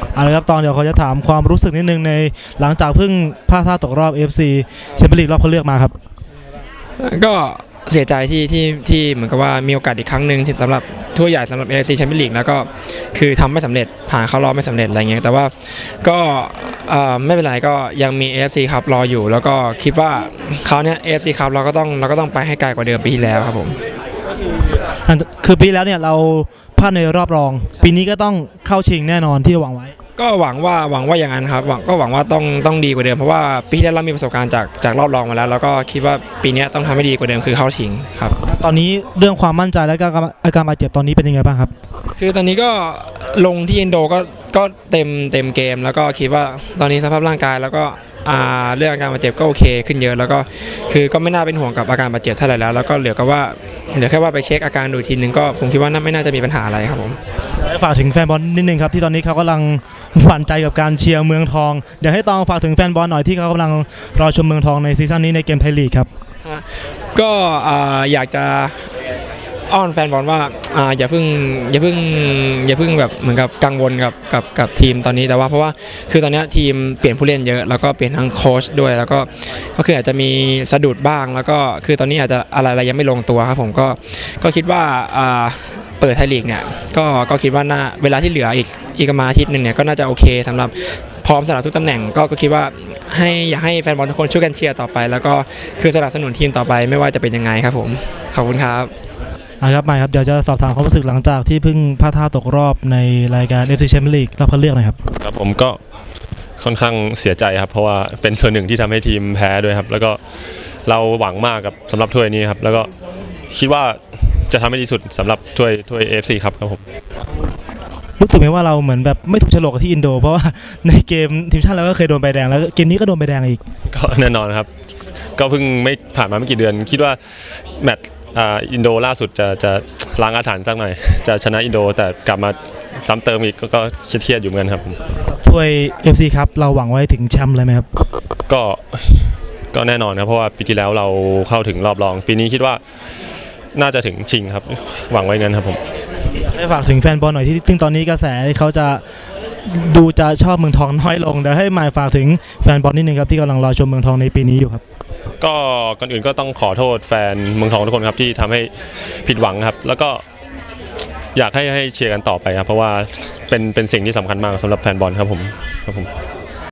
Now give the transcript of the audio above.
เอาละครับตอนเดี๋ยวเขาจะถามความรู้สึกนิดนึงในหลังจากเพิ่งพลาดท่าตกรอบ AFC แชมเปี้ยนลีกรอบคัดเลือกมาครับก็เสียใจที่เหมือนกับว่ามีโอกาสอีกครั้งหนึ่งสำหรับถ้วยใหญ่สำหรับ AFC แชมเปี้ยนลีกแล้วก็คือทำไม่สำเร็จผ่านเข้ารอบไม่สำเร็จอะไรเงี้ยแต่ว่าก็ไม่เป็นไรก็ยังมี AFC ครับรออยู่แล้วก็คิดว่าคราวนี้ AFC ครับเราก็ต้องไปให้ไกลกว่าเดิมปีที่แล้วครับผมคือปีแล้วเนี่ยเราพลาดในรอบรองปีนี้ก็ต้องเข้าชิงแน่นอนที่หวังไว้ก็หวังว่าอย่างนั้นครับหวังว่าต้องดีกว่าเดิมเพราะว่าปีที่แล้วเรามีประสบการณ์จากรอบรองมาแล้วก็คิดว่าปีนี้ต้องทำให้ดีกว่าเดิมคือเข้าชิงครับตอนนี้เรื่องความมั่นใจและอาการบาดเจ็บตอนนี้เป็นยังไงบ้างครับคือตอนนี้ก็ลงที่อินโดก็เต็มเกมแล้วก็คิดว่าตอนนี้สภาพร่างกายแล้วก็เรื่องอาการบาดเจ็บก็โอเคขึ้นเยอะแล้วก็คือก็ไม่น่าเป็นห่วงกับอาการบาดเจ็บเท่าไหร่แล้วก็เหลือแค่ว่าไปเช็คอาการดูทีนึงก็ผมคิดว่าไม่น่าจะมีปัญหาอะไรครับผมฝากถึงแฟนบอลนิดนึงครับที่ตอนนี้เขากำลังหวั่นใจกับการเชียร์เมืองทองเดี๋ยวให้ตองฝากถึงแฟนบอลหน่อยที่เขากำลังรอชมเมืองทองในซีซั่นนี้ในเกมไทยลีกครับก็อยากจะอ้อนแฟนบอลว่าอย่าเพิ่งแบบเหมือนกับกังวลกับทีมตอนนี้แต่ว่าเพราะว่าคือตอนนี้ทีมเปลี่ยนผู้เล่นเยอะแล้วก็เปลี่ยนทั้งโค้ชด้วยแล้วก็คืออาจจะมีสะดุดบ้างแล้วก็คือตอนนี้อาจจะอะไรยังไม่ลงตัวครับผมก็คิดว่าเปิดไทยลีกเนี่ยก็คิดว่าเวลาที่เหลืออีกประมาณอาทิตย์นึงเนี่ยก็น่าจะโอเคสำหรับพร้อมสำหรับทุกตำแหน่งก็คิดว่าอยากให้แฟนบอลทุกคนช่วยกันเชียร์ต่อไปแล้วก็คือสนับสนุนทีมต่อไปไม่ว่าจะเป็นยังไงครับผมขอบคุณครับครับไม่ครับเดี๋ยวจะสอบถามความรู้สึกหลังจากที่เพิ่งพลาดท่าตกรอบในรายการ AFC Champions League รอบคัดเลือกนะครับครับผมก็ค่อนข้างเสียใจครับเพราะว่าเป็นส่วนหนึ่งที่ทำให้ทีมแพ้ด้วยครับแล้วก็เราหวังมากกับสำหรับถ้วยนี้ครับแล้วก็คิดว่าจะทำให้ดีสุดสำหรับถ้วย AFC ครับผมรู้สึกไหมว่าเราเหมือนแบบไม่ถูกโฉลกกับที่อินโดเพราะว่าในเกมทีมชาติเราก็เคยโดนใบแดงแล้วเกมนี้ก็โดนใบแดงอีกก็แน่นอนครับก็เพิ่งไม่ผ่านมาไม่กี่เดือนคิดว่าแมตช์อินโดล่าสุดจะล้างอาถรรพ์สักหน่อยจะชนะอินโดแต่กลับมาซ้ำเติมอีกก็เครียดอยู่เหมือนกันครับถ้วย FC ครับเราหวังไว้ถึงแชมป์เลยไหมครับก็แน่นอนครับเพราะว่าปีที่แล้วเราเข้าถึงรอบรองปีนี้คิดว่าน่าจะถึงชิงครับหวังไว้งั้นครับผมให้ฝากถึงแฟนบอลหน่อยที่ซึ่งตอนนี้กระแสเขาจะดูจะชอบเมืองทองน้อยลงเดี๋ยวให้หมายฝากถึงแฟนบอลนิดนึงครับที่กำลังรอชมเมืองทองในปีนี้อยู่ครับก็ก่อนอื่นก็ต้องขอโทษแฟนเมืองทองทุกคนครับที่ทำให้ผิดหวังครับแล้วก็อยากให้เชียร์กันต่อไปครับเพราะว่าเป็นสิ่งที่สำคัญมากสำหรับแฟนบอลครับผม